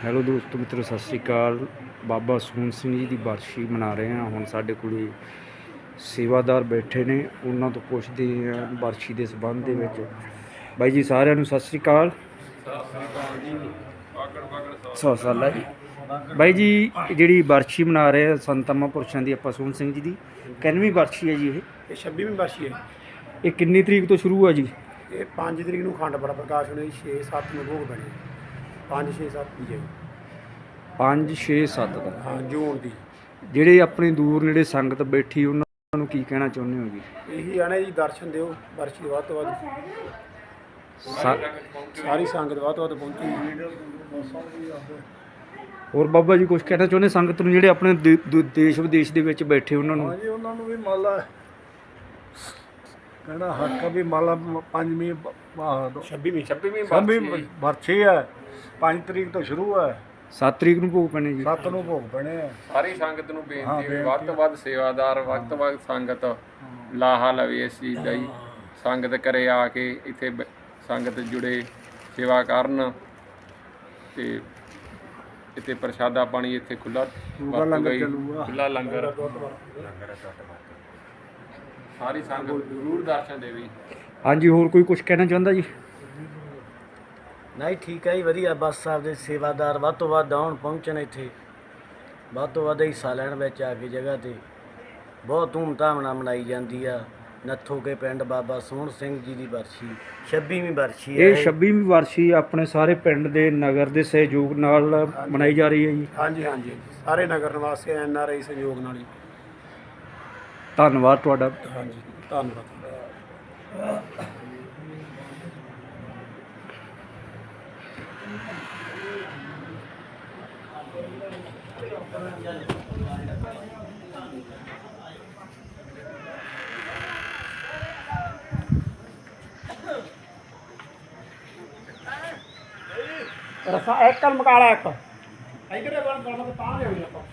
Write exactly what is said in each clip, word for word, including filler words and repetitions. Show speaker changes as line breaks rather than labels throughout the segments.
Hello ਦੋਸਤੋ ਮਿੱਤਰੋ, ਸਤਿ ਸ਼੍ਰੀ ਅਕਾਲ। ਬਾਬਾ ਸੋਹਣ ਸਿੰਘ ਜੀ ਦੀ ਬਰਸ਼ੀ ਮਨਾ ਰਹੇ ਹਾਂ। ਹੁਣ ਸਾਡੇ ਕੋਲ ਸੇਵਾਦਾਰ ਬੈਠੇ ਨੇ, ਉਹਨਾਂ ਤੋਂ ਪੁੱਛਦੇ ਹਾਂ ਬਰਸ਼ੀ ਦੇ ਸੰਬੰਧ ਦੇ ਵਿੱਚ। ਬਾਈ ਜੀ ਸਾਰਿਆਂ ਨੂੰ ਸਤਿ ਸ਼੍ਰੀ ਅਕਾਲ। ਸੌ ਸਾਲਾ ਜੀ। ਬਾਈ ਜੀ ਜਿਹੜੀ ਬਰਸ਼ੀ ਮਨਾ ਰਹੇ ਆ ਸੰਤਾਂ ਮਹਾਂਪੁਰਸ਼ਾਂ ਦੀ, ਆਪਾਂ ਸੋਹਣ ਸਿੰਘ ਜੀ ਦੀ ਕਿੰਨਵੀਂ ਬਰਸ਼ੀ ਹੈ ਜੀ? ਇਹ
ਇਹ ਛੱਬੀਵੀਂ ਬਰਸ਼ੀ ਹੈ।
ਇਹ ਕਿੰਨੀ ਤਰੀਕ ਤੋਂ ਸ਼ੁਰੂ ਹੈ ਜੀ?
ਇਹ ਪੰਜ ਤਰੀਕ ਨੂੰ ਅਖੰਡ ਪਾਠ ਪ੍ਰਕਾਸ਼ ਹੋਣੇ, ਛੇ ਸੱਤ ਨੂੰ ਭੋਗ ਪੈਣੇ। ਪੰਜ ਛੇ ਸੱਤ ਦੀ ਹੈ ਜੀ।
ਪੰਜ ਛੇ ਸੱਤ ਦਾ?
ਹਾਂ, ਜੂਨ ਦੀ।
ਜਿਹੜੇ ਆਪਣੀ ਦੂਰ ਨੇੜੇ ਸੰਗਤ ਬੈਠੀ ਉਹਨਾਂ ਨੂੰ ਕੀ ਕਹਿਣਾ ਚਾਹੁੰਦੇ ਹੋ ਜੀ?
ਇਹੀ ਆਣੇ ਜੀ, ਦਰਸ਼ਨ ਦਿਓ ਬਰਸ਼ੀ ਵੱਧ ਤੋਂ ਵੱਧ,
ਸਾ
ਸਾਰੀ ਸੰਗਤ ਵੱਧ ਤੋਂ ਵੱਧ ਪਹੁੰਚੀ।
ਹੋਰ ਬਾਬਾ ਜੀ ਕੁਝ ਕਹਿਣਾ ਚਾਹੁੰਦੇ ਸੰਗਤ ਨੂੰ, ਜਿਹੜੇ ਆਪਣੇ ਦੇ- ਦੇ- ਦੇਸ਼ ਵਿਦੇਸ਼ ਦੇ ਵਿੱਚ ਬੈਠੇ ਉਹਨਾਂ ਨੂੰ?
ਹਾਂਜੀ, ਉਹਨਾਂ ਨੂੰ ਵੀ ਮੰਨ ਲਾ ਕਹਿਣਾ ਹੱਕ ਵੀ ਮੰਨ ਲਾ ਪੰਜਵੀਂ
ਛੱਬੀਵੀਂ ਛੱਬੀਵੀਂ
ਛੱਬੀ ਬਰਛੀ ਹੈ। ਪੰਜ ਤਰੀਕ ਤੋਂ ਸ਼ੁਰੂ ਹੈ,
ਸੱਤ ਤਰੀਕ ਨੂੰ ਭੋਗ ਪੈਣੇ ਜੀ।
ਸੱਤ ਨੂੰ ਭੋਗ ਪੈਣੇ ਆ।
ਸਾਰੀ ਸੰਗਤ ਨੂੰ
ਹਾਂ,
ਬੇਨਤੀ ਹੈ,
ਬੇਨਤੀ
ਵੱਧ ਤੋਂ ਵੱਧ ਸੇਵਾਦਾਰ, ਵੱਧ ਤੋਂ ਵੱਧ ਸੰਗਤ ਲਾਹਾ ਲਵੇ ਇਸ ਚੀਜ਼ ਦਾ ਜੀ। ਸੰਗਤ ਘਰੇ ਆ ਕੇ ਇੱਥੇ ਬ- ਸੰਗਤ ਜੁੜੇ, ਸੇਵਾ ਕਰਨ ਤੇ ਇੱਥੇ ਪ੍ਰਸ਼ਾਦਾ ਪਾਣੀ ਇੱਥੇ ਖੁੱਲਾ
ਲੰਗਰ ਚੱਲੂਗਾ।
ਖੁੱਲਾ ਲੰਗਰ ਸਾਰੀ ਸੰਗਤ ਜ਼ਰੂਰ ਦਰਸ਼ਨ ਦੇਵੇ।
ਹਾਂਜੀ, ਹੋਰ ਕੋਈ ਕੁਝ ਕਹਿਣਾ ਚਾਹੁੰਦਾ ਜੀ?
ਨਹੀਂ ਠੀਕ ਹੈ ਜੀ, ਵਧੀਆ। ਬਸ ਆਪਦੇ ਸੇਵਾਦਾਰ ਵੱਧ ਤੋਂ ਵੱਧ ਆਉਣ, ਪਹੁੰਚਣ, ਇੱਥੇ ਵੱਧ ਤੋਂ ਵੱਧ ਹਿੱਸਾ ਲੈਣ ਵਿੱਚ ਆ ਕੇ ਜਗ੍ਹਾ 'ਤੇ ਬਹੁਤ ਧੂਮਧਾਮ ਨਾਲ ਮਨਾਈ ਜਾਂਦੀ ਆ। ਨੱਥੋ ਕੇ ਪਿੰਡ ਬਾਬਾ ਸੋਹਣ ਸਿੰਘ ਜੀ ਦੀ ਬਰਸ਼ੀ, ਛੱਬੀਵੀਂ ਬਰਸ਼ੀ ਹੈ।
ਇਹ ਛੱਬੀਵੀਂ ਵਰਸ਼ੀ ਆਪਣੇ ਸਾਰੇ ਪਿੰਡ ਦੇ ਨਗਰ ਦੇ ਸਹਿਯੋਗ ਨਾਲ ਮਨਾਈ ਜਾ ਰਹੀ ਹੈ ਜੀ।
ਹਾਂਜੀ ਹਾਂਜੀ, ਸਾਰੇ ਨਗਰ ਨਿਵਾਸੀ ਐਨ ਆਰ ਆਈ ਸਹਿਯੋਗ ਨਾਲ ਜੀ।
ਧੰਨਵਾਦ ਤੁਹਾਡਾ।
ਹਾਂਜੀ, ਧੰਨਵਾਦ। ਰਸਾ ਇੱਕ ਕਲ ਮਕਾਲਾ ਇੱਕ ਇਧਰੇ ਬਣ ਬਣ ਕੇ ਤਾਂ ਲਿਆਉਣੀ ਆਪਾਂ।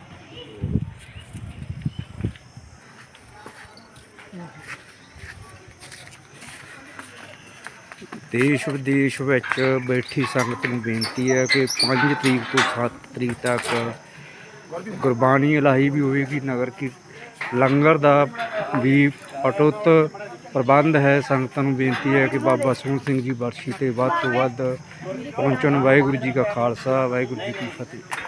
ਦੇਸ਼ ਵਿਦੇਸ਼ ਵਿੱਚ ਬੈਠੀ ਸੰਗਤ ਨੂੰ ਬੇਨਤੀ ਹੈ ਕਿ ਪੰਜ ਤਰੀਕ ਤੋਂ ਸੱਤ ਤਰੀਕ ਤੱਕ ਗੁਰਬਾਣੀ ਇਲਾਹੀ ਵੀ ਹੋਵੇਗੀ। ਨਗਰ ਕੀ ਲੰਗਰ ਦਾ ਵੀ ਅਟੁੱਟ ਪ੍ਰਬੰਧ ਹੈ। ਸੰਗਤਾਂ ਨੂੰ ਬੇਨਤੀ ਹੈ ਕਿ ਬਾਬਾ ਸੋਹਣ ਸਿੰਘ ਜੀ ਬਰਸ਼ੀ 'ਤੇ ਵੱਧ ਤੋਂ ਵੱਧ ਪਹੁੰਚਣ। ਵਾਹਿਗੁਰੂ ਜੀ ਕਾ ਖਾਲਸਾ, ਵਾਹਿਗੁਰੂ ਜੀ ਕੀ ਫਤਿਹ।